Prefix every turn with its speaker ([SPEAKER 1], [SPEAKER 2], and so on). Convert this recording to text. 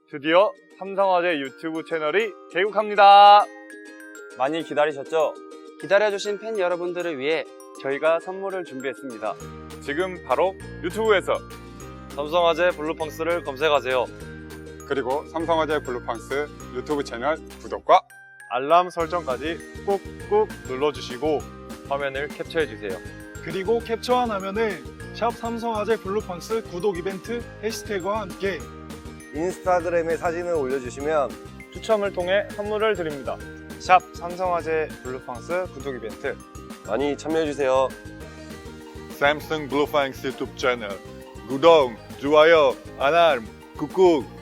[SPEAKER 1] 드디어 삼성화재 유튜브 채널이 개국합니다.
[SPEAKER 2] 많이 기다리셨죠?
[SPEAKER 3] 기다려주신 팬 여러분들을 위해 저희가 선물을 준비했습니다.
[SPEAKER 1] 지금 바로 유튜브에서
[SPEAKER 2] 삼성화재 블루팡스를 검색하세요.
[SPEAKER 4] 그리고 삼성화재 블루팡스 유튜브 채널 구독과
[SPEAKER 1] 알람 설정까지 꾹꾹 눌러주시고
[SPEAKER 2] 화면을 캡처해주세요.
[SPEAKER 5] 그리고 캡처한 화면을 샵 삼성화재 블루팡스 구독 이벤트 해시태그와 함께
[SPEAKER 6] 인스타그램에 사진을 올려주시면
[SPEAKER 1] 추첨을 통해 선물을 드립니다.
[SPEAKER 2] 샵 삼성화재 블루팡스 구독 이벤트
[SPEAKER 6] 많이 참여해주세요.
[SPEAKER 1] 삼성 블루팡스 유튜브 채널 구독, 좋아요, 알람, 꾹꾹